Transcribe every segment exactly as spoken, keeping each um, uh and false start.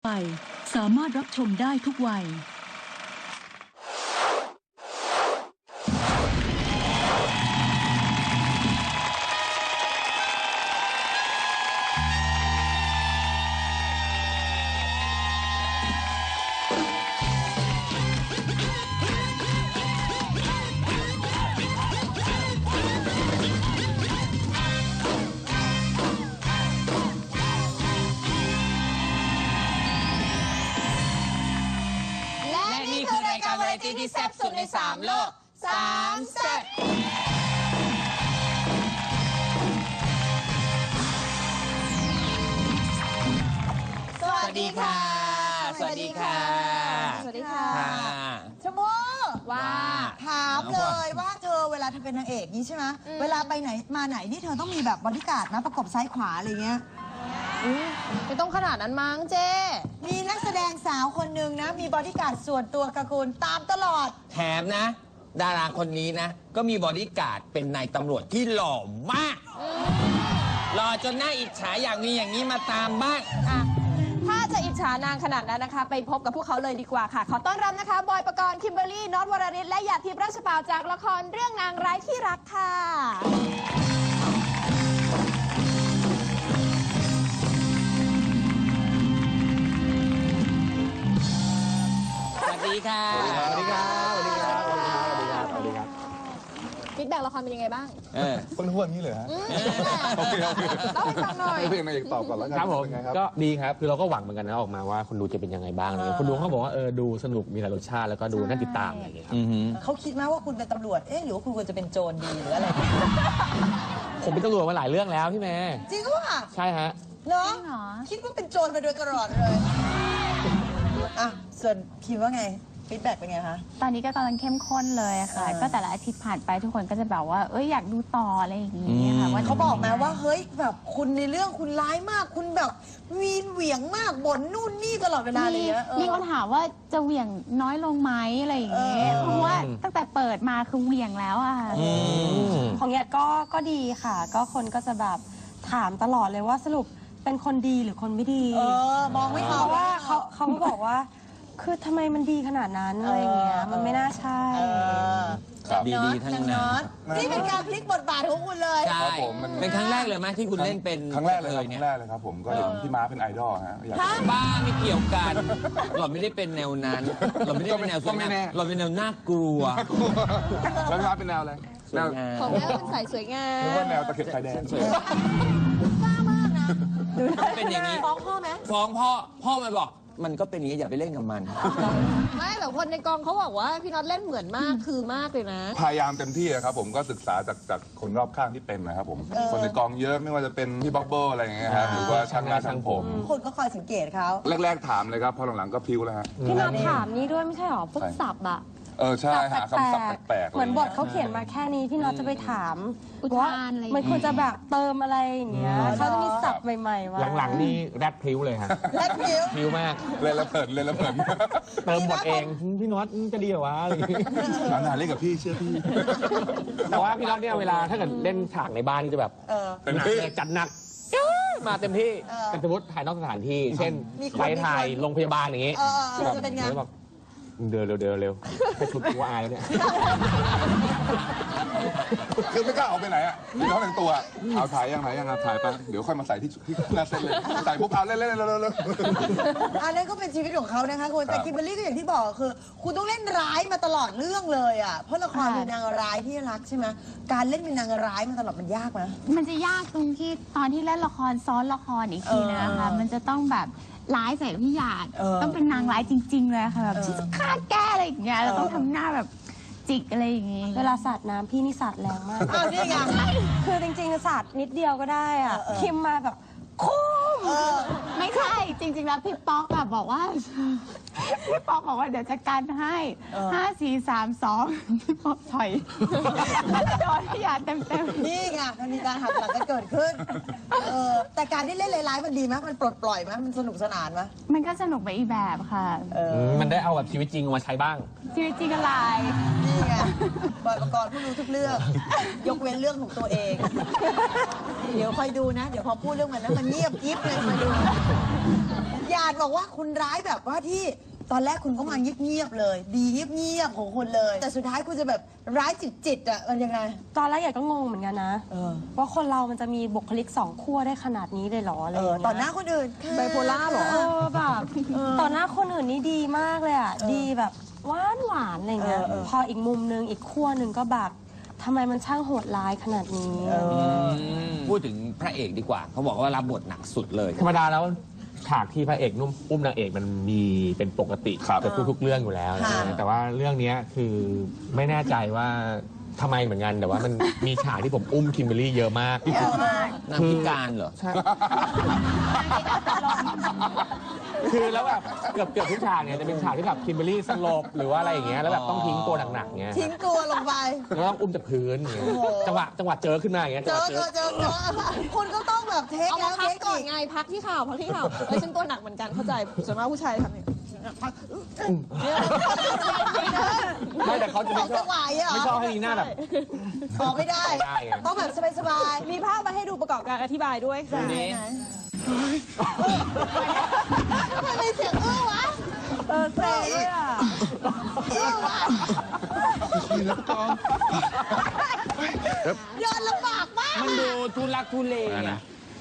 ไปสามารถรับชมได้ทุกวัยที่แซ่บสุดในสามโลกสามแซ่บสวัสดีค่ะสวัสดีค่ะสวัสดีค่ะชมพู่ว่าถามเลยว่าเธอเวลาเธอเป็นนางเอกนี้ใช่ไหมเวลาไปไหนมาไหนนี่เธอต้องมีแบบบอดี้การ์ดนะประกบซ้ายขวาอะไรเงี้ยไม่ต้องขนาดนั้นมั้งเจ๊มีนักแสดงสาวคนหนึ่งนะมีบอดี้การ์ดส่วนตัวกับคุณตามตลอดแถมนะดาราคนนี้นะก็มีบอดี้การ์ดเป็นนายตำรวจที่หล่อมากหล่อจนน่าอิจฉาอยากมีอย่างนี้มาตามบ้างถ้าจะอิจฉานางขนาดนั้นนะคะไปพบกับพวกเขาเลยดีกว่าค่ะขอต้อนรับนะคะบอยปกรณ์คิมเบอร์รี่น็อตวรริศและหยาดทิพย์ราชปาวจากละครเรื่องนางร้ายที่รักค่ะสวัสดีค่ะสวัสดีครับสวัสดีครับสวัสดีครับสวัสดีครับสวัสดีครับฟีดแบ็กละครเป็นยังไงบ้างเออคนหัวนี้เลยฮะโอเคโอเคต้องไปฟังหน่อยเพื่อนนายตอบก่อนแล้วกันครับผมก็ดีครับคือเราก็หวังเหมือนกันนะออกมาว่าคนดูจะเป็นยังไงบ้างอะไรคนดูเขาบอกว่าเออดูสนุกมีหลายรสชาติแล้วก็ดูน่าติดตามอะไรอย่างเงี้ยครับเขาคิดไหมว่าคุณเป็นตำรวจเอ๊ะหรือว่าคุณควรจะเป็นโจรดีหรืออะไรผมเป็นตำรวจมาหลายเรื่องแล้วพี่แม่จริงป่ะใช่ฮะเนาะคิดว่าเป็นโจรมาโดยตลอดเลยอ่ะส่วนพิมว่าไงฟีดแบ็กเป็นไงคะตอนนี้ก็กำลังเข้มข้นเลยค่ะก็แต่ละอาทิตย์ผ่านไปทุกคนก็จะแบบว่าเอ้ยอยากดูต่ออะไรอย่างเงี้ยค่ะว่าเขาบอกไหมว่าเฮ้ยแบบคุณในเรื่องคุณร้ายมากคุณแบบวีนเหวี่ยงมากบ่นนู่นนี่ตลอดเวลาเลยนะมีคนถามว่าจะเหวี่ยงน้อยลงไหมอะไรอย่างเงี้ยเพราะว่าตั้งแต่เปิดมาคือเหวี่ยงแล้วอะของเนี้ยก็ก็ดีค่ะก็คนก็จะแบบถามตลอดเลยว่าสรุปเป็นคนดีหรือคนไม่ดีเออมองไม่เขาว่าเขาเขาก็บอกว่าคือทำไมมันดีขนาดนั้นอะไรอย่างเงี้ยมันไม่น่าใช่ดีๆทั้งนั้นนี่เป็นการพลิกบทบาทของคุณเลยใช่เป็นครั้งแรกเลยไหมที่คุณเล่นเป็นครั้งแรกเลยครั้งแรกเลยครับผมก็เห็นพี่ม้าเป็นไอดอลฮะบ้าไม่เกี่ยวกันเราไม่ได้เป็นแนวนั้นเราไม่ได้เป็นแนวสวยงามเราเป็นแนวน่ากลัวแล้วพี่ม้าเป็นแนวอะไรแนวของแม่เป็นสายสวยงามหรือว่าแนวตะเข็บชายแดนบ้ามากนะเป็นอย่างนี้ฟ้องพ่อไหมฟ้องพ่อพ่อมาบอกมันก็เป็นอย่างนี้อย่าไปเล่นกับมันไม่แต่คนในกองเขาบอกว่าพี่น็อตเล่นเหมือนมากคือมากเลยนะพยายามเต็มที่ครับผมก็ศึกษาจากจากคนรอบข้างที่เป็นนะครับผมคนในกองเยอะไม่ว่าจะเป็นพี่บ๊อบเบิ้ลอะไรอย่างเงี้ยครับหรือว่าช่างหน้าช่างผมคนก็คอยสังเกตเขาแรกๆถามเลยครับพอหลังๆก็พิ้วแล้วฮะพี่น็อตถามนี่ด้วยไม่ใช่หรอพวกศัพท์อะเออใช่หาคำศัพท์แปลกๆเหมือนบทเขาเขียนมาแค่นี้พี่น็อตจะไปถามว่ามันควรจะแบบเติมอะไรอย่างเงี้ยเขาจะมีศัพท์ใหม่ๆมาหลังๆนี่แรดพริ้วเลยฮะแรดพริ้วพริ้วมากเล่นละเผินเล่นละเผินเติมบทเองพี่น็อตจะดีเหรอวะอะไรอย่างเงี้ยนานๆเล่นกับพี่เชื่อพี่แต่ว่าพี่น็อตเนี่ยเวลาถ้าเกิดเล่นฉากในบ้านนี่จะแบบเป็นหนักเลยจัดหนักมาเต็มที่เป็นสมมติถ่ายนอกสถานที่เช่นไปถ่ายโรงพยาบาลอย่างงี้จะเป็นไงเดินเร็วเดินเร็วให้ชุดกูอายแล้วเนี่ยคือไม่กล้าออกไปไหนอ่ะพี่น้องแต่งตัวเอาถ่ายยังถ่ายยังถ่ายไปเดี๋ยวค่อยมาใส่ที่ที่หน้าเส้นเลยใส่ปุ๊บเอาเล่นเล่นเล่นเล่นอันนั้นก็เป็นชีวิตของเขานะคะคุณแต่คิมเบอร์รี่ก็อย่างที่บอกคือคุณต้องเล่นร้ายมาตลอดเรื่องเลยอ่ะเพราะละครเป็นนางร้ายที่รักใช่ไหมการเล่นเป็นนางร้ายมาตลอดมันยากไหมมันจะยากตรงที่ตอนที่เล่นละครซ้อนละครอีกทีนะคะมันจะต้องแบบร้ายใส่พี่หยาดต้องเป็นนางร้ายจริงๆเลยค่ะแบบที่จะฆ่าแก้อะไรอย่างเงี้ยเราต้องทำหน้าแบบจิกอะไรอย่างงี้เวลาสาดน้ำพี่นี่สาดแรงมากอ้าวนี่ไงคือจริงๆสาดนิดเดียวก็ได้อ่ะคิมมาแบบคุ้มไม่ใช่จริงๆแล้วพี่ป๊อกแบบบอกว่าพี่ป๊อกบอกว่าเดี๋ยวจะกันให้ห้าสี่สามสองพี่ป๊อกถอยโดนพี่หยาดเต็มๆนี่ไงมันมีการหักหลังกันเกิดขึ้นเออแต่การที่เล่นร้ายๆมันดีไหมมันปลดปล่อยไหมมันสนุกสนานไหมมันก็สนุกไปอีกแบบค่ะมันได้เอาแบบชีวิตจริงมาใช้บ้างชีวิตจริงอะไรนี่ไงบอยปกรณ์ผู้รู้ทุกเรื่องยกเว้นเรื่องของตัวเองเดี๋ยวคอยดูนะเดี๋ยวพอพูดเรื่องมันนะมันเงียบกิ๊บเลยมาดูหยาดบอกว่าคุณร้ายแบบว่าที่ตอนแรกคุณก็มาเงียบๆเลย ดีเงียบๆของคุณเลย แต่สุดท้ายคุณจะแบบร้ายจิตๆอ่ะมันยังไงตอนแรกอยากก็งงเหมือนกันนะเออว่าคนเรามันจะมีบุคลิกสองขั้วได้ขนาดนี้เลยเหรออะไรเอออย่างเงี้ยต่อหน้าคนอื่นค่ะไบโพล่าเหรอเออแบบต่อหน้าคนอื่นนี่ดีมากเลยอ่ะ ดีแบบหวานหวานๆอะไรเงี้ยเออเออพออีกมุมนึงอีกขั้วหนึ่งก็แบบทำไมมันช่างโหดร้ายขนาดนี้พูดถึงพระเอกดีกว่า เขาบอกว่ารับบทหนักสุดเลยธรรมดาแล้วฉากที่พระเอกนุ่มอุ้มนางเอกมันมีเป็นปกติครับเกือบทุกๆเรื่องอยู่แล้วค่ะแต่ว่าเรื่องเนี้ยคือไม่แน่ใจว่าทำไมเหมือนกันแต่ว่ามันมีฉากที่ผมอุ้มคิมเบอรรี่เยอะมากนางพิการเหรอใช่ คือแล้วแบบเกือบเกือบทุกฉากเนี่ยจะเป็นฉากที่แบบคิมเบอรรี่สลบหรือว่าอะไรอย่างเงี้ยแล้วแบบต้องทิ้งตัวหนักๆเงี้ยทิ้งตัวลงไปแล้วต้องอุ้มจากพื้นอย่างเงี้ยโอ้โหจังหวะจังหวะเจอขึ้นมาอย่างเงี้ยเจจังหอวะเจอเจอเจอคุณก็ต้องแบบเทคเอาแล้มาว พัเทกคก่อนอีกไงพักที่ข่าวพักที่ข่าวเอ้ยฉันตัวหนักเหมือนกันเข้าใจส่วนมากผู้ชายทำเนี่ยพักไม่แต่เขาจะสไม่องชอจับงหวะอ่ะไม่ชอบให้นีหน้าแบบออกไม่ได้ไม่ได้ไงต้องแบบสบายมีภาพมาให้ดูประกอบการอธิบายด้วยค่ะๆไหนไหนทำไมมีเสียงอื้อวะเออเซ่ด้วยอ่ะอื้อวะเดินลำบากมากมันดูทุลักทุเลอะ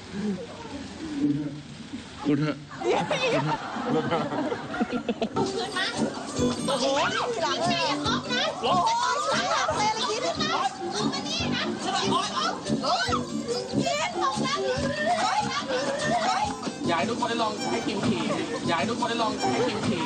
คุณเถอะโอ้โหนี่ทีหลังเลยอย่าล็อกนะโอ้ยหลังหลังเลยอะไรกินนะลงมานี่นะโอ้ยโอ้ยกินตรงนั้นโอ้ยนะโอ้ยอยากให้ทุกคนได้ลองให้คิมขี่อยากให้ทุกคนได้ลองให้คิมขี่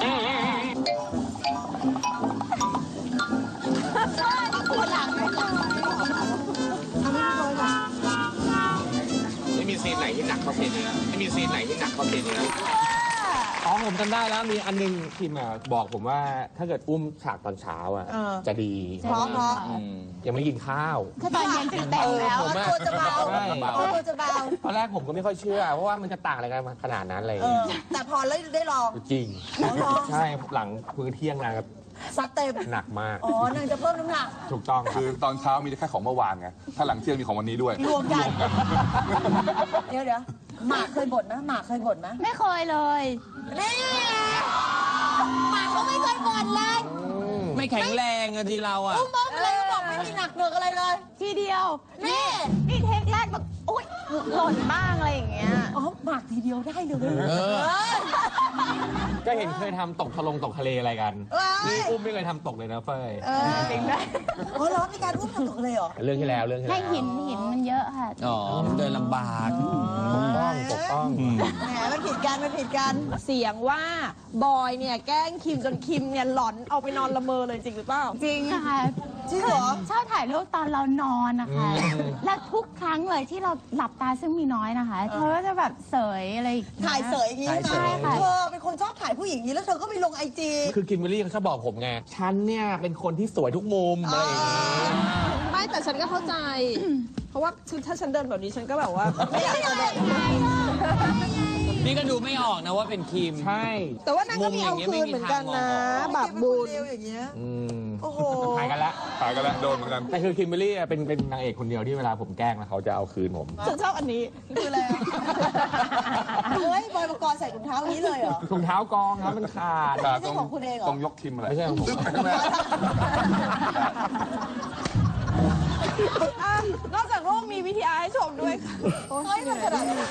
ปวดหลังไหมคะทำให้พี่บอยก่อนไม่มีซีนไหนที่หนักกว่าเพลงนี้ไม่มีซีนไหนที่หนักกว่าเพลงนี้อ๋อผมจำได้แล้วมีอันนึงคิมอ่ะบอกผมว่าถ้าเกิดอุ้มฉากตอนเช้าอ่ะจะดีเพราะเพราะยังไม่ได้กินข้าวถ้าตอนเย็นจะเต็มแล้วผมอะตัวจะเบาใช่ตัวจะเบาตอนแรกผมก็ไม่ค่อยเชื่อ เพราะว่ามันจะต่างอะไรกันขนาดนั้นอะไรอย่างเอเงี้อย แต่พอแล้วได้ลองจริงอ๋อเหรอใช่หลังพื้นเที่ยงนะครับซัดเต็มหนักมากอ๋อนางจะเพิ่มน้ำหนักถูกต้องครัคืบอตอนเช้ามีแค่ของเมื่อวานไง ถ้าหลังเที่ยงมีของวันนี้ด้วยรวมกัน เดี๋ยวเดี๋ยวหมากเคยบ่นไหมหมากเคยบ่นไหมไม่เคยเลยนี่หมากเขาไม่เคยบ่นเลยไม่แข็งแรงอะทีเราอะอุ้มบ้องเลยบอกไม่มีหนักเหนือกอะไรเลยทีเดียวนี่นี่เทคแรกแบบอุ้ยหล่นบ้างอะไรอย่างเงี้ยอ๋อหมากทีเดียวได้เลยเออเอ้ยก็เห็นเคยทำตกทะลงตกทะเลอะไรกันเอ้ยนี่อุ้มไม่เคยทำตกเลยนะเฟยเออจริงได้อ๋อเหรอมีการอุ้มทำตกเลยเหรอเรื่องที่แล้วเรื่องที่ในแล้วหินหินมันเยอะค่ะอ๋อมันเดินลำบากปกป้องปกป้องแหมมันผิดกันมันผิดกันเสียงว่าบอยเนี่ยแกล้งคิมจนคิมเนี่ยหลอนเอาไปนอนละเมอเลยจริงหรือเปล่าจริงค่ะจริงเหรอชอบถ่ายรูปตอนเรานอนนะคะอืมและทุกครั้งเลยที่เราหลับตาซึ่งมีน้อยนะคะ เธอก็จะแบบเสยอะไรองงี้ถ่ายเสยอย่างนี้ถ่ายเสใช่ยไหมเธอเป็นคนชอบถ่ายผู้หญิงอย่างนี้แล้วเธอก็ไปลงไอจีคือคิมเบอรรี่เขาชอบบอกผมไง ฉันเนี่ยเป็นคนที่สวยทุกมุมอะไรอย่างงี้ไม่แต่ฉันก็เข้าใจ เพราะว่าถ้าฉันเดินแบบนี้ฉันก็แบบว่าไม่อยากจะเดินนี่ก็ดูไม่ออกนะว่าเป็นครีมใช่แต่ว่านางก็มีเอาคืนเหมือนกันนะบาปบุญเร็วอย่างเงี้ยอืมโอ้โหถ่ายกันละตายกันแล้วโดนเหมือนกันแต่คือคิมเบอรรี่อะเป็นเป็นนางเอกคนเดียวที่เวลาผมแกล้งแล้วเขาจะเอาคืนผมฉันชอบอันนี้คืออะไรอะเฮ้ยบอยปกรณ์ใส่ถุงเท้าอย่างนี้เลยเหรอถุงเท้ากองครับมันขาดไม่ใช่ของคุณเองเหรอต้องยกคิมอะไรไม่ใช่ของผมอ่ะนอกจากรูปมีวิทยาให้ชมด้วยค่ะเฮ้ยมันขนาดนั้นเลย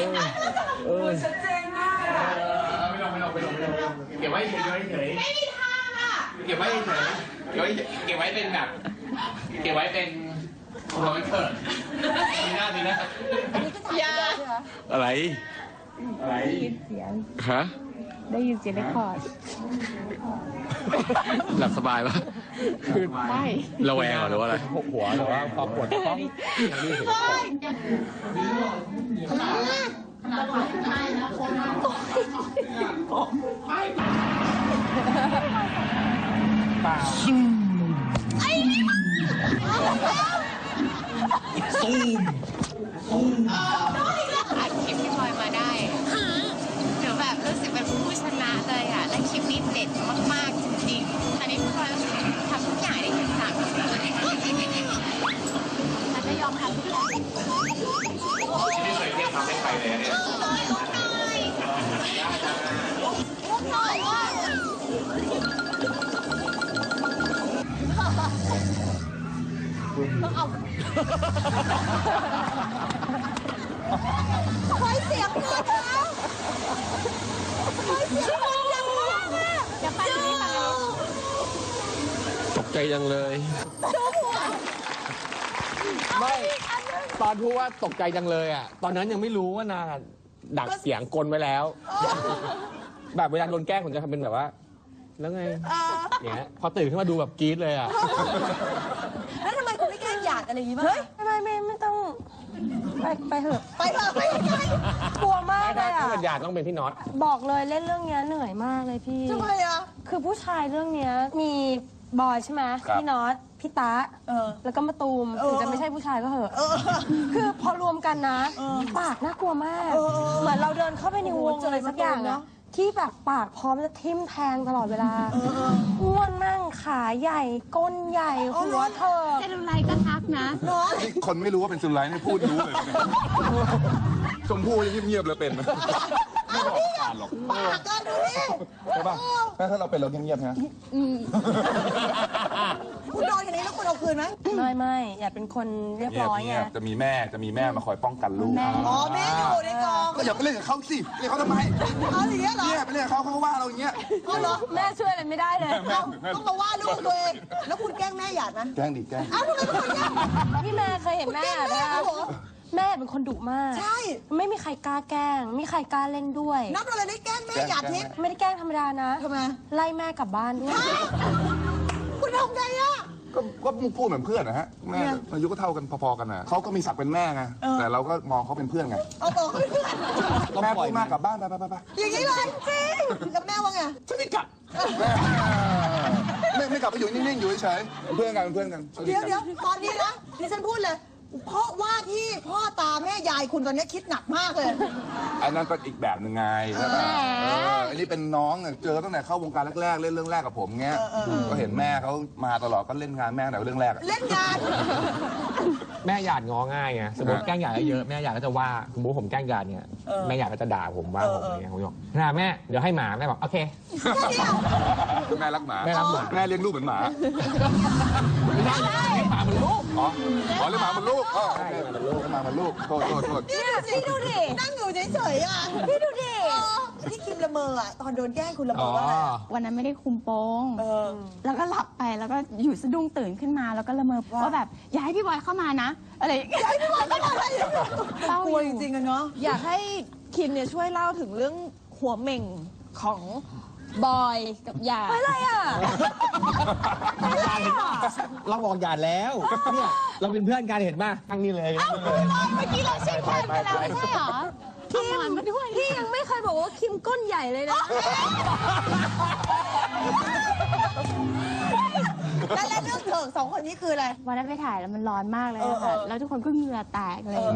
เก็บไว้เฉยเฉยไม่มีทางอ่ะเก็บไว้เฉยเก็บไว้เก็บไว้เป็นแบบเก็บไว้เป็นของวันเกิดมีหน้ามีหน้าอันนี้ก็ถ่ายได้ใช่ไหมอะไรอะไรฮะได้ยินเสียงเรคคอร์ดหลับสบายปะคือได้ระแวงหรือว่าอะไรหัวหรือว่าพอปวดท้องยังรีบเห็นเปล่าอัดคลิปพี่บอยมาได้หนูแบบรู้สึกเป็นผู้ชนะเลยอ่ะ และคลิปนี้เด็ดมากๆจริงๆ อันนี้พี่บอยทำทุกอย่างได้ถึงสามครั้งฉันจะยอมทำทุกอย่างไม่เคยเทียบทำให้ใครเลยเนี่ยต้องเอาคอยเสียงเกินแล้วคอยเสียงมันดังมากอะจะไปที่ไหนตกใจจังเลยไม่ตอนพูดว่าตกใจจังเลยอ่ะตอนนั้นยังไม่รู้ว่านางดักเสียงกลไว้แล้ว แบบเวลาโดนแกล้งผมจะทำเป็นแบบว่า แล้วไงอย่างเงี้ยพอตื่นขึ้นมาดูแบบกรี๊ดเลยอ่ะแล้วทำไมคุณไม่แกล้งหยาดอะไรอย่างงี้บ้างไม่ไม่ไม่ไม่ต้องไปไปเถอะไปเถอะไปไกลกลัวมากเลยถ้าอ่ะเป็นญาติต้องเป็นพี่น็อตบอกเลยเล่นเรื่องเนี้ยเหนื่อยมากเลยพี่ทำไมอะคือผู้ชายเรื่องเนี้ยมีบอยใช่ไหมครับพี่น็อตพี่ตะเออแล้วก็มาตูมเออถึงจะไม่ใช่ผู้ชายก็เหอะเออคือพอรวมกันนะปากน่ากลัวมากเออเหมือนเราเดินเข้าไปในวงโอ้โหเจออะไรสักอย่างเนอะอะที่แบบปากพร้อมจะทิ่มแทงตลอดเวลาอ้วนนั่งขาใหญ่ก้นใหญ่หัวเธอเซลลูไลท์ก็ทักนะนี่คนไม่รู้ว่าเป็นซุนไลท์นี่พูดรู้เลยเนี่ยชมพู่ยังเงียบๆเลยเป็นนะไม่บอกผ่านหรอกปากกันดูดิใช่ป่ะถ้าเราเป็นเราเงียบๆฮะคุณโดนอย่างนี้แล้วคุณเอาคืนไหมไม่ไม่อย่าเป็นคนเรียบเงียบร้อยไงเงียบจะมีแม่จะมีแม่มาคอยป้องกันลูกอ๋อแม่อยู่ในกองก็อย่าไปเล่นกับเขาสิเล่นเขาทำไมเอาอย่างเงี้ยเหรอเนี่ยไปเล่นกับเขาเขาก็ว่าเราอย่างเงี้ยเอาเหรอแม่ช่วยอะไรไม่ได้เลยเอาต้องมาว่าลูกตัวเองแล้วคุณแกล้งแม่หยาดไหมแกล้งดิแกล้งเอ้าทำไมคุณแกล้งพี่แม่เคยเห็นแม่คุณแกล้งแม่นะคะเหรอแม่เป็นคนดุมากใช่ไม่มีใครกล้าแกล้งไม่มีใครกล้าเล่นด้วยนับอะไรได้แกล้งแม่หยาดทิพย์ไม่ได้แกล้งธรรมดานะทำไมไล่แม่กลับบ้านด้วยคุณทำไงอะก็ก็พูดเหมือนเพื่อนนะฮะแม่อายุก็เท่ากันพอๆกันนะเขาก็มีศักดิ์เป็นแม่ไงแต่เราก็มองเขาเป็นเพื่อนไงเอาบอกเขาเพื่อนแม่พูดมากกลับบ้านไปไปไปไปอย่างนี้เลยจริงแล้วแม่ว่าไงฉันไม่กลับไม่ไม่กลับไปอยู่นิ่งๆอยู่เฉยๆเป็นเพื่อนกันเป็นเพื่อนกันเดี๋ยวเดี๋ยวตอนนี้นะดิฉันพูดเลย เพราะว่าที่พ่อตาแม่ยายคุณตอนนี้คิดหนักมากเลยอันนั้นก็อีกแบบหนึ่งไงใช่ไหมเอออันนี้เป็นน้องอะเจอตั้งแต่เข้าวงการแรกๆเล่นเรื่องแรกกับผมเงี้ยก็เห็นแม่เขามาตลอดก็เล่นงานแม่แต่เรื่องแรกอะเล่นงานแม่หยาดง้อง่ายไงสมมติแกล้งหยาดเยอะๆแม่หยาดก็จะว่าสมมติผมแกล้งหยาดเนี่ยแม่หยาดก็จะด่าผมว่าผมอะไรเงี้ยผมบอกน่าแม่เดี๋ยวให้หมาแม่บอกโอเคแม่รักหมาแม่รักหมาแม่เลี้ยงลูกเหมือนหมาไม่ได้ให้หมาเหมือนลูกอ๋ออ๋อเลี้ยงหมาเหมือนลูกอ๋อโอเคเลี้ยงหมาเหมือนลูกโทษโทษโทษนี่ดูสิดูดินั่งอยู่เฉยๆอ่ะพี่ดูดิที่คิมละเมออ่ะตอนโดนแกล้งคุณละเมอ๋ออว่าอะไรวันนั้นไม่ได้คุมโปงเออแล้วก็หลับไปแล้วก็อยู่สะดุ้งตื่นขึ้นมาแล้วก็ละเมอว่าแบบอย่าให้พี่บอยเข้ามานะอะไรอย่างเงี้ยพี่บอยก็ทำอะไรอยู่เศร้ากลัวจริงๆอะเนาะอยากให้คิมเนี่ยช่วยเล่าถึงเรื่องหัวเหม่งของบอยกับหยาดอะไรอ่ะเราบอกหยาดแล้วเนี่ยเราเป็นเพื่อนกันเห็นป่ะทั้งนี้เลยเมื่อกี้เราเช็คแทนไปแล้วไม่ใช่เหรอคิมมาด้วยพี่ยังไม่เคยบอกว่าคิมก้นใหญ่เลยนะแล้วแล้วเรื่องเถิกสองคนนี้คืออะไรวันนั้นไปถ่ายแล้วมันร้อนมากเลยอะค่ะเออเออแล้วทุกคนก็เหงื่อแตกเลย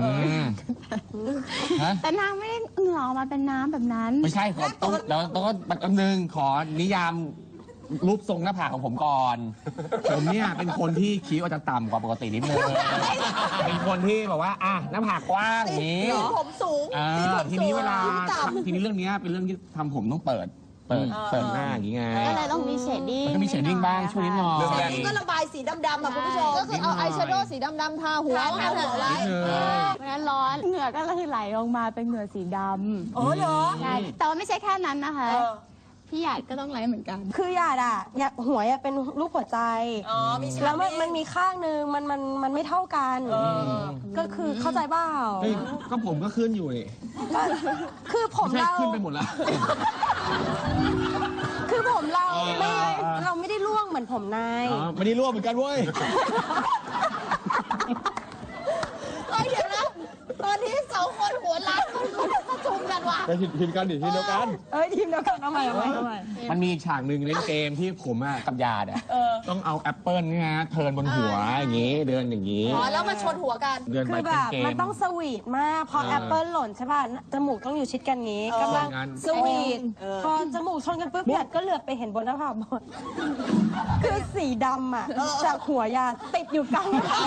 แต่นางไม่ได้เหงื่อออกมาเป็นน้ำแบบนั้นไม่ใช่ขอต้องแล้วต้องก็แป๊บนึงขอนิยามรูปทรงหน้าผากของผมก่อน ผมเนี่ยเป็นคนที่คิ้วอาจจะต่ำกว่าปกตินิดนึงเป็นคนที่แบบว่าอ่ะหน้าผากกว้างอย่างนี้สีผมสูงอ่าสีผมทีนี้เวลาสูงยิ้มต่ำทีนี้เรื่องเนี้ยเป็นเรื่องที่ทำผมต้องเปิด เปิดเปิดหน้าอย่างงี้ไงก็เลยต้องมีเชดดิ้งมันก็มีเชดดิ้งบ้างช่วยนิดหน่อยเรื่องแต่แรกนี่ก็ระบายสีดำๆอ่ะคุณผู้ชมก็คือเอาอายแชโดว์สีดำๆทาหัวทาหัวไว้นิดนึงวันนั้นร้อนเหงื่อก็เลยไหลลงมาเป็นเหงื่อสีดอ๋อเหรอำใช่แต่ว่าไม่ใช่แค่นั้นนะคะเออพี่หยาดก็ต้องไหลเหมือนกันคือหยาดอ่ะหยาดหัวอะเป็นรูปหัวใจอ๋อมีฉากแล้วมันนี้มันมีข้างนึงมันมันมันไม่เท่ากัน ก็คือเข้าใจเปล่าเฮ้ยก็ผมก็ขึ้นอยู่นี่ก็คือผมไม่ใช่เราขึ้นไปหมดแล้วคือผมเราเออไม่เออเออเราไม่ได้ร่วงเหมือนผมนายอ๋อไม่ได้ร่วมเหมือนกันเว้ยเอ้ยเดี๋ยวนะตอนนี้สองคนหัวล้านประชุมกันว่ะไปผิดผิดกันดิทีเดียวกันเอ้ยทีมเดียวกันเอาใหม่เอาใหม่เอาใหม่มันมีฉากหนึ่งเล่นเกมที่ผมอะกับยาดอะต้องเอาแอปเปิลเนี่ยนะเทิร์นบนหัวอย่างงี้เดินอย่างงี้อ๋อแล้วมาชนหัวกันเดินคืไปอแบเป็นบเกมมันต้องสวีทมากพอเออแอปเปิลหล่นใช่ป่ะจมูกต้องอยู่ชิดกันงี้กำลังงั้นสวีทพอจมูกชนกันปุ๊บหยาดก็เหลือบไปเห็นบนหน้าผากบนคือสีดำอ่ะจากหัวหยาดติดอยู่กลางหน้าผาก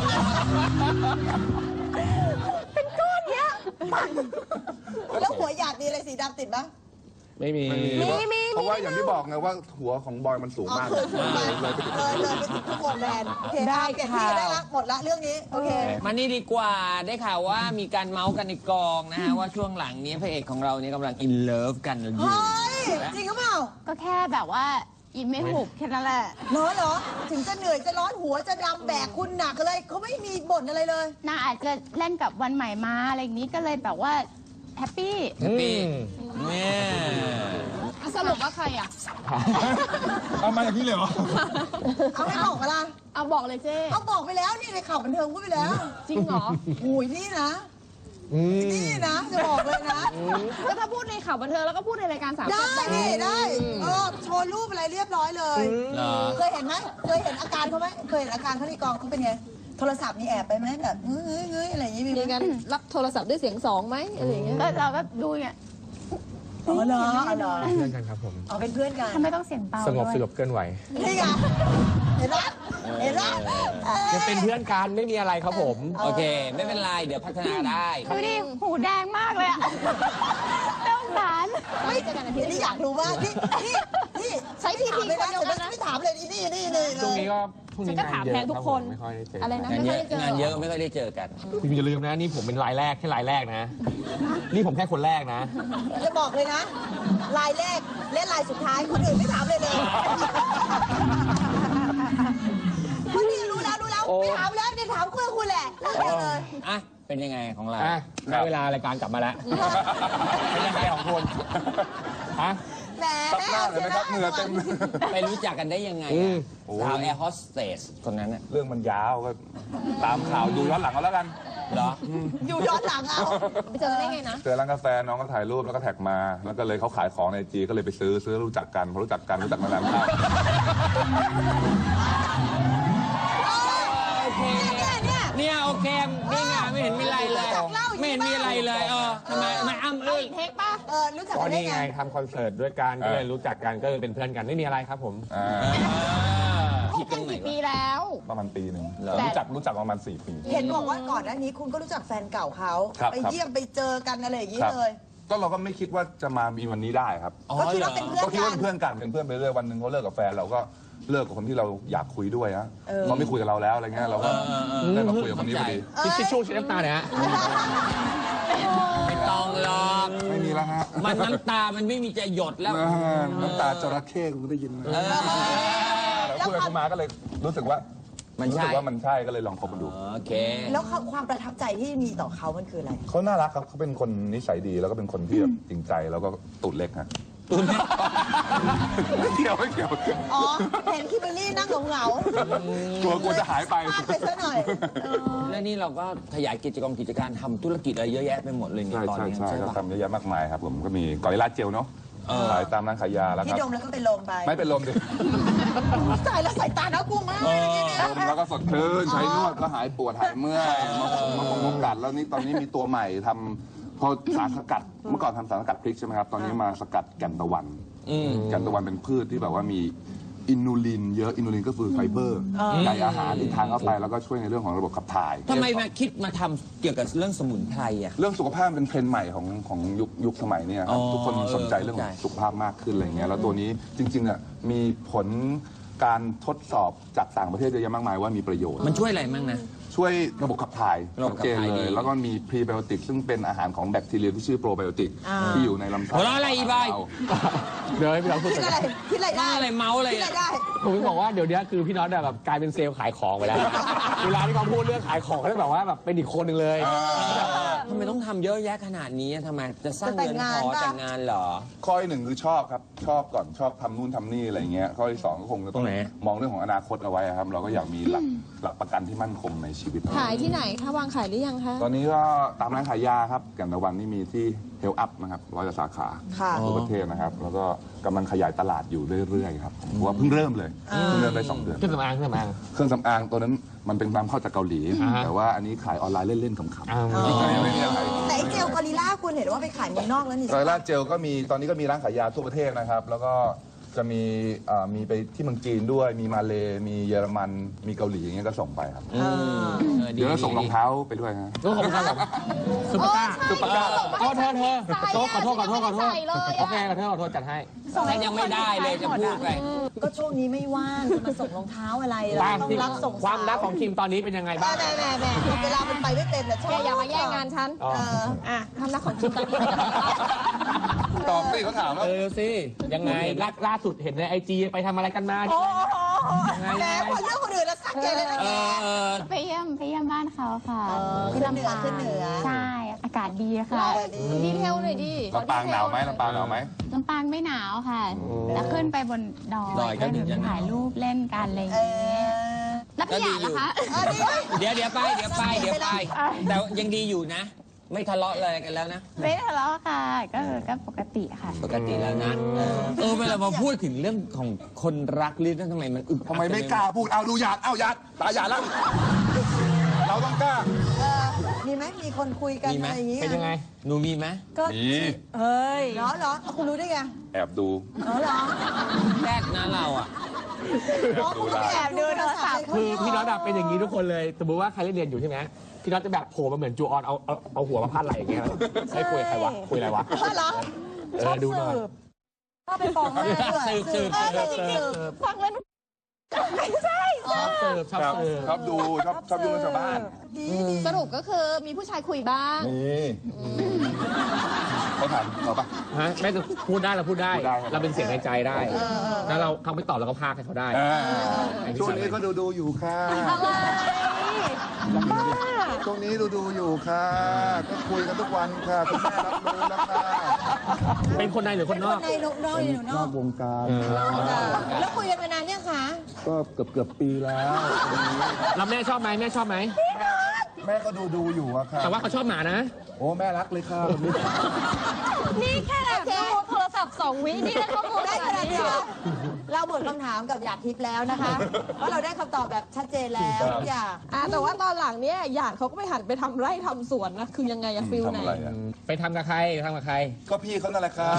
เป็นก้อนเนี้ยแล้วหัวหยาดมีอะไรสีดำติดปะไม่มีไม่มีเพราะว่าอย่างที่บอกไงว่าหัวของบอยมันสูงมากเลยเลยไปถึงทุกคนแลนด์โอเคได้เปลี่ยนที่ได้ละหมดละเรื่องนี้โอเคมานี่ดีกว่าได้ข่าวว่ามีการเมาส์กันในกองนะฮะว่าช่วงหลังนี้พระเอกของเราเนี่ยกำลังอินเลิฟกันอยู่เฮ้ยจริงหรือเปล่าก็แค่แบบว่าอิ่มไม่หุบแค่นั้นแหละร้อนเหรอถึงจะเหนื่อยจะร้อนหัวจะดำแบกคุณหนักอะไรเขาไม่มีบ่นอะไรเลยนางอาจจะเล่นกับวันใหม่มาอะไรอย่างนี้ก็เลยแบบว่าแฮปปี้แฮปปี้เนี่ยสรุปว่าใครอ่ะเอามาอย่างนี้เลยเหรอเอาไม่บอกมาละเอาบอกเลยเจ๊เอาบอกไปแล้วนี่ในข่าวบันเทิงพูดไปแล้วจริงเหรอโอ้ยนี่นะนี่นะจะบอกเลยนะก็ถ้าพูดในข่าวบันเทิงแล้วก็พูดในรายการสามได้นี่ได้เออโชว์รูปอะไรเรียบร้อยเลยเหรอเคยเห็นไหมเคยเห็นอาการเขาไหมเคยเห็นอาการเขาในกองเขาเป็นไงโทรศัพท์มีแอบไปไหมแบบเฮ้ยเฮ้ยเฮ้ยอะไรอย่างงี้มีไหมมีการรับโทรศัพท์ด้วยเสียงสองไหมอะไรอย่างเงี้ยก็เราก็ดูเนี่ยอ๋อเหรออ๋อเหรอเพื่อนกันครับผมอ๋อเป็นเพื่อนกันทำไมต้องเสียงเบาสงบด้วยสยบเกินไหวนี่ไงเห็นไหมเห็นไหมเอ้ยยังเป็นเพื่อนกันไม่มีอะไรครับผมโอเค ไม่เป็นไรเดี๋ยวพัฒนาได้ดูดิหูแดงมากเลยอะต้องสารไม่เจอกันอาทิตย์นี้อยากรู้ว่านี่นี่นี่ใช้ทีทีไม่คนได้เดียวกันนะไม่ถามเลยนี่นี่นี่เลยช่วงนี้ก็ช่วงนี้ฉันก็งาถาน มเยแทอะนทุกรับคนผมไม่ค่อยได้เจออะไรนะงานไม่เยค่อยอะได้เจองานเยอะไม่ค่อยได้เจอกันคุณอย่าลืมนะนี่ผมเป็นรายแรกแค่รายแรกนะ นี่ผมแค่คนแรกนะจะบอกเลยนะลายแรกและลายสุดท้ายคนอื่นไม่ถามเลยเลยคนนี้รู้แล้วรู้แล้วไม่ถามแล้วเนี่ยถามคุณคุณแหละเรื่องเดียวเลยอ่ะ เป็นยังไงของเราอ่ะได้เวลารายการกลับมาแล้ว เป็นยังไงของคุณฮะแหมตัดหน้าเลยนะครับเหงื่อเต็มไปรู้จักกันได้ยังไงอืมสาวแอร์โฮสเตสคนนั้นน่ะเรื่องมันยาวก็ตามข่าวดูย้อนหลังเอาแล้วกันเหรออยู่ย้อนหลังเอาไปเจอกันได้ไงนะเจอร้านกาแฟน้องก็ถ่ายรูปแล้วก็แท็กมา แล้วก็เลยเขาขายของในจีก็เลยไปซื้อซื้อรู้จักกันพอรู้จักกันรู้จักมานานเข้าโอเคเนี่ยเนี่ยเนี่ยโอเคนี่ไงไม่เห็นมีอะไรเลย ไม่เห็นมีอะไรเลยเออทำไมทำไมอ้ำอึ้งเทคป่ะเออรู้จักก็กันได้นี่ไงไงทำคอนเสิร์ตด้วยกันก็เลยรู้จักกันก็เลยเป็นเพื่อนกันไม่มีอะไรครับผมอ่าผิดตรงไหนกี่ปีวะแล้วประมาณปีหนึ่งเหรอรู้จักรู้จักประมาณสี่ปีเห็นบอกว่าก่อนหน้านี้คุณก็รู้จักแฟนเก่าเขาครับไปเยี่ยมไปเจอกันอะไรอย่างนี้ครับเลยก็เราก็ไม่คิดว่าจะมามีวันนี้ได้ครับอ๋อก็คิดเหรอว่าเป็นเพื่อนก็คิดกัว่าน เป็นเพื่อนกันเป็นเพื่อนไปเรื่อยวันหนึ่งเขาเลิกกับแฟนเราก็เลิกกับคนที่เราอยากคุยด้วยฮะเออเขาไม่คุยกับเราแล้วอะไรเงี้ยเราก็ได้มาคุยกับคนนี้พอดีทิชชู่เช็ดน้ำตาเนี่ยฮะไม่ต้องหรอกไม่มีแล้วฮะมันน้ำตามันไม่มีจะหยดแล้วอ่าน้ำตาจระเข้คุณได้ยินไหมเออแล้วคุยกับเขามาก็เลยรู้สึกว่ามันรู้ใช่สึกว่ามันใช่ก็เลยลองคบกันดูโอเคแล้วความประทับใจที่มีต่อเขามันคืออะไรเขาน่ารักครับเขาเป็นคนนิสัยดีแล้วก็เป็นคนที่แบบจริงใจแล้วก็ตุดเล็กฮะตุนไม่เกี่ยวไม่เกี่ยวอ๋อ เห็นคิมเบอรรี่นั่งเหงาๆกลัวกลัวจะหายไปพลดไปซะหน่อยเออแล้วนี่เราก็ขยายกิจกรรมกิจการทำธุรกิจอะไรเยอะแยะไปหมดเลยเนี่ใช่ยตอนใช่นี้ใช่ใช่ก็ปะทำเยอะแยะมากมายครับผมก็มีกอริลลาเจลเนาะเออขายตามร้านขายยาแล้วคที่รับดมแล้วก็เป็นลมไปไม่เป็นลมดิตายแล้วสายตาน่ากลัวมากเลยเนี่ยดมแล้วก็สดชื่นใช้นวดก็หายปวดหายเมื่อยมามามากัดแล้วนี่ตอนนี้มีตัวใหม่ทำพอสารสกัดเมื่อก่อนทำสารสกัดพริกใช่ไหมครับตอนนี้มาสกัดแก่นตะวันอืมแก่นตะวันเป็นพืชที่แบบว่ามีอินูลินเยอะอินูลินก็คือไฟเบอร์ในอาหารที่ทานเข้าไปแล้วก็ช่วยในเรื่องของระบบขับถ่ายทำไมมาคิดมาทำเกี่ยวกับเรื่องสมุนไพรอ่ะเรื่องสุขภาพเป็นเทรนด์ใหม่ของของยุคยุคสมัยเนี้ครับอ๋อทุกคนสนใจเรื่องของสุขภาพมากขึ้นอะไรเงี้ยแล้วตัวนี้จริงๆอ่ะมีผลการทดสอบจากต่างประเทศเยอะแยะมากมายว่ามีประโยชน์มันช่วยอะไรมั่งนะช่วยระบบขับถ่ายระบบขับถ่ายชัดเจนเลดีย แล้วก็มีพรีไบโอติกซึ่งเป็นอาหารของแบคทีเรียที่ชื่อโปรไบโอติกที่อยู่ในลำไส้หัวเราะอะไรอีบอยเดี๋ยวให้พี่น้องพูดคิไปดอะไรคิดอะไรได้อะไรเมาส์อะไรคิดอะไรอะได้ผมจะบอกว่าเดี๋ยวนี้คือพี่น็อตแบบกลายเป็นเซลล์ขายของไปแล้ว เวลาที่เขาพูดเรื่องขายของเขาจะแบบว่าแบบเป็นอีกคนหนึ่งเลยทำไมต้องทำเยอะแยะขนาดนี้อะทำไมจะสร้างจะแต่เงิงนงานพอป่ะแต่งงานเหรอข้อที่หนึ่งคือชอบครับ ชอบก่อนชอบทำนู่นทำนี่อะไรเงี้ยข้อที่สองก็คงจะตต้รองงไหนมองเรื่องของอนาคตเอาไว้ครับ เราก็อยากมีหลักหลักประกันที่มั่นคงในชีวิตขายที่ไหนคะวางขายหรือยังคะตอนนี้ก็ตามร้านขายยาครับแก่นตะวันนี่มีที่เฮลอัพนะครับร้อยกว่าสาขาค่ะทั่วประเทศนะครับ แล้วก็กำลังขยายตลาดอยู่เรื่อยๆครับเพราะว่าเพิ่งเริ่มเลยเพิ่งเริ่มได้สองเดือนเครื่องสำอางเครื่องสำอางเครื่องสำอางตัวนั้นมันเป็นนำเข้าจากเกาหลีอ่าฮะแต่ว่าอันนี้ขายออนไลน์เล่นๆขำอ้าวๆไม่มีอะไรแต่ไอ้เจลกอริลล่าคุณเห็นว่าไปขายเมืองนอกแล้วนี่รายล่าเจลก็มีตอนนี้ก็มีร้านขายยาทั่วประเทศนะครับ แล้วก็จะมีเอ่อมีไปที่เมืองจีนด้วยมีมาเลมีเยอรมันมีเกาหลีอย่างเงี้ยก็ส่งไปครับเออเดี๋ยวเราส่งรองเท้าไปด้วยฮะก็ขอบคุณครับผมซุปเปอร์ต้าซุปเปอร์ต้าโอ้เธอเธอโต๊ะขอโทษขอโทษขอโทษใส่เลยอะโอเคขอโทษขอโทษจัดให้ฉันยังไม่ได้เลยจะพูดไปก็ช่วงนี้ไม่ว่างจะมาส่งรองเท้าอะไรเราบ้างต้องที่รับส่งความรักของคิมตอนนี้เป็นยังไงบ้างแม่แม่แม่เวลามันไปไม่เต็มแต่ชอบแกอย่ามาแย่งงานฉันอ๋อเอออ่ะคำนักของคุณตอนนี้ตอบสิเขาถามว่าเออสิยังไงล่าล่าสุดเห็นในไอจีไปทำอะไรกันมาโอ้โหยังไงแหมคนเรื่องคนอื่นแล้วซักแกเลยนะเอแกอเออไปเยี่ยมไปเยี่ยมบ้านเขาค่ะเออที่ลำปางขึ้นเหนือใช่อากาศดีค่ะดีเทลหน่อยดิลำปางหนาวไหมลำปางหนาวไหมลำปางไม่หนาวค่ะ แล้วขึ้นไปบนดอยดอยก็ก็ถึถึงงจะหนาวถ่ายรูปเล่นกันอะไรอย่างเอเงี้ยอแล้วพี่หยาดล่ะคะเออดีเดี๋ยวเดี๋ยวไปเดี๋ยวไปเดี๋ยวไป แต่ยังดีอยู่นะ ไม่ทะเลาะอะไรกันแล้วนะไม่ทะเลาะค่ะ ก็ก็ปกติค่ะปกติแล้วนะ เออเออเวลามาพูดถึงเรื่องของคนรักลิ้นทำไมมันอึกอักทำไมไม่กล้าพูดเอาดูหยาดเอาหยาดตาหยาดแล้วเราต้องกล้าเออมีไหมมีคนคุยกันมีไหมอะไรอย่างงี้เป็นยังไงหนูมีไหมก็มีเฮ้ยเหรอเหรอเอาคุณรู้ได้ไงแอบดูเหรอเหรอแรกนะเราอ่ะอ๋อคุณก็แอบดูโทรศัพท์คือพี่น็อตอะเป็นอย่างนี้ทุกคนเลย สมมติว่าใครเล่นเรียนอยู่ใช่ไหมพี่น็อตจะแบบโผล่มาเหมือนจูออนเอาเอาเอาหัวมาพาดไหล่อย่างเงี้ยให้คุยกับใครวะคุยอะไรวะเหรอเออดูหน่อยชอบไปฟ้องแม่ด้วยสืบสืบเออสืบสืบสืบฟังแล้วชอบเสิร์ฟชอบครับเสิร์ฟชอบดูชอบชอบยุ่งกับชาวบ้านดีดีสรุปก็คือมีผู้ชายคุยบ้างนี่เขาถามเราปะฮะแม่จะพูดได้เราพูดได้พูดได้ครับเราเป็นเสียงในใจได้แล้วเราเขาไม่ตอบเราก็พากให้เขาได้อ่าช่วงนี้ก็ดูดูอยู่ค่ะอะไรบ้าช่วงนี้ดูดูอยู่ค่ะ ก็คุยกันทุกวันค่ะคุณแม่รับรู้แล้วค่ะเป็นคนในหรือคนนอกในนกน้อยอยู่นนออก กวงการแล้วคุยกันมานานยังคะก็เกือบเกือบปีแล้วแล้วแม่ชอบไหมแม่ชอบไหมแม่ก็ดูดูอยู่อะค่ะแต่ว่าเขาชอบหมานะโอ้แม่รักเลยค่ะวันนี้นี่แค่แบบดูโทรศัพท์สองวินี่ได้ข้อมูลได้ขขนานาดดนี้นี้เหรอเราหมดคำถามกับหยาดทิพย์แล้วนะคะเพราะเราได้คำตอบแบบชัดเจนแล้วทุกอย่างอ่ะแต่ว่าตอนหลังเนี่ยหยาดเขาก็ไปหันไปทำไร่ทำสวนนะคือยังไงอะฟิลไหนทำอะไรอะไปทำกับใครทำกับใครก็พี่เขานั่นแหละค่ะ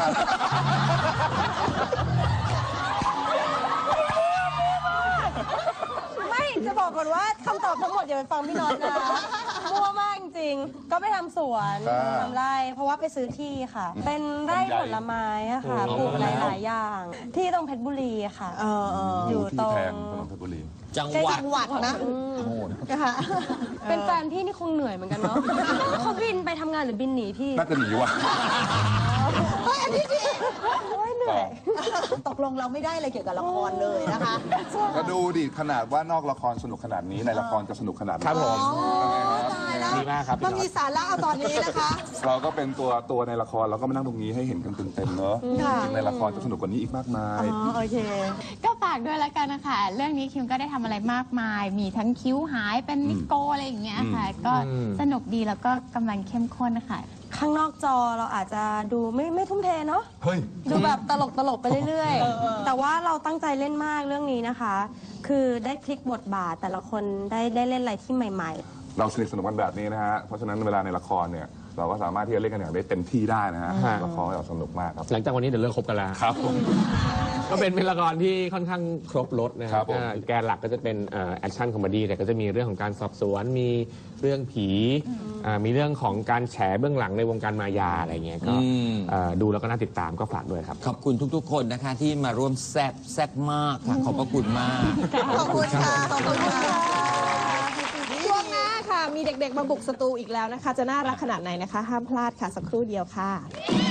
ไม่จะบอกก่อนว่าคำตอบทั้งหมดอย่าไปฟังพี่น็อตนะมั่วมากจริงๆก็ไปทำสวนทำไร่เพราะว่าไปซื้อที่ค่ะ เป็นไร่ผลไม้อะค่ะปลูกหลายๆอย่าง ที่ตรงเพชรบุรีอะค่ะเออเอออยู่ที่ตรงแพงถนนเพชรบุรีจังหวัดจังหวัดนะโง่นะนะคะเป็นแฟนพี่นี่คงเหนื่อยเหมือนกันเนาะเขาบินไปทำงานหรือบินหนีพี่น่าจะหนีว่ะเฮ้ยอันนี้ดีโอ้ยเหนื่อยตกลงเราไม่ได้อะไรเกี่ยวกับละครเลยนะคะก็ดูดิขนาดว่านอกละครสนุกขนาดนี้ในละครจะสนุกขนาดไหนครับผมตายแล้วดีมากครับพี่มันน็อตมีสาระเอาตอนนี้นะคะเราก็เป็นตัวตัวในละครเราก็มานั่งตรงนี้ให้เห็นกันเต็มๆเนอะค่ะจริงๆในละครจะสนุกกว่านี้อีกมากมายอ๋อโอเคก็ฝากด้วยแล้วกันนะคะ เรื่องนี้คิมก็ได้ทำอะไรมากมาย มีทั้งคิ้วหายเป็นนิโกอะไรอย่างเงี้ยค่ะ ก็อืมสนุกดีแล้วก็กำลังเข้มข้นนะคะข้างนอกจอเราอาจจะดูไม่ไม่ทุ่มเทเนาะเฮ้ยดูแบบตลกตลกๆไปเรื่อยๆ แต่ว่าเราตั้งใจเล่นมากเรื่องนี้นะคะ คือได้พลิกบทบาทแต่ละคนได้ได้เล่นอะไรที่ใหม่เราสนิทสนมกันแบบนี้นะฮะ เพราะฉะนั้นเวลาในละครเนี่ย เราก็สามารถที่จะเล่นกันอย่างได้เต็มที่ได้นะฮะฮะละครเราสนุกมากครับหลังจากวันนี้เดี๋ยวเลิกคบกันแล้วครับผมก็เป็นเป็นละครที่ค่อนข้างครบรถนะคครัรับบผมอ่าแกนหลักก็จะเป็นแอคชั่นคอมเมดี้แต่ก็จะมีเรื่องของการสอบสวนมีเรื่องผีอ่ามีเรื่องของการแฉเบื้องหลังในวงการมายาอะไรเงี้ยก็อืมอ่าดูแล้วก็น่าติดตามก็ฝากด้วยครับขอบคุณทุกๆ คนนะคะที่มาร่วมแซบแซบมากค่ะ ขอบพระคุณมากขอบคุณค่ะ ขอบคุณค่ะช่วงหน้าค่ะ มีเด็กๆมาบุกสตูอีกแล้วนะคะ จะน่ารักขนาดไหนนะคะ ห้ามพลาดค่ะ สักครู่เดียวค่ะ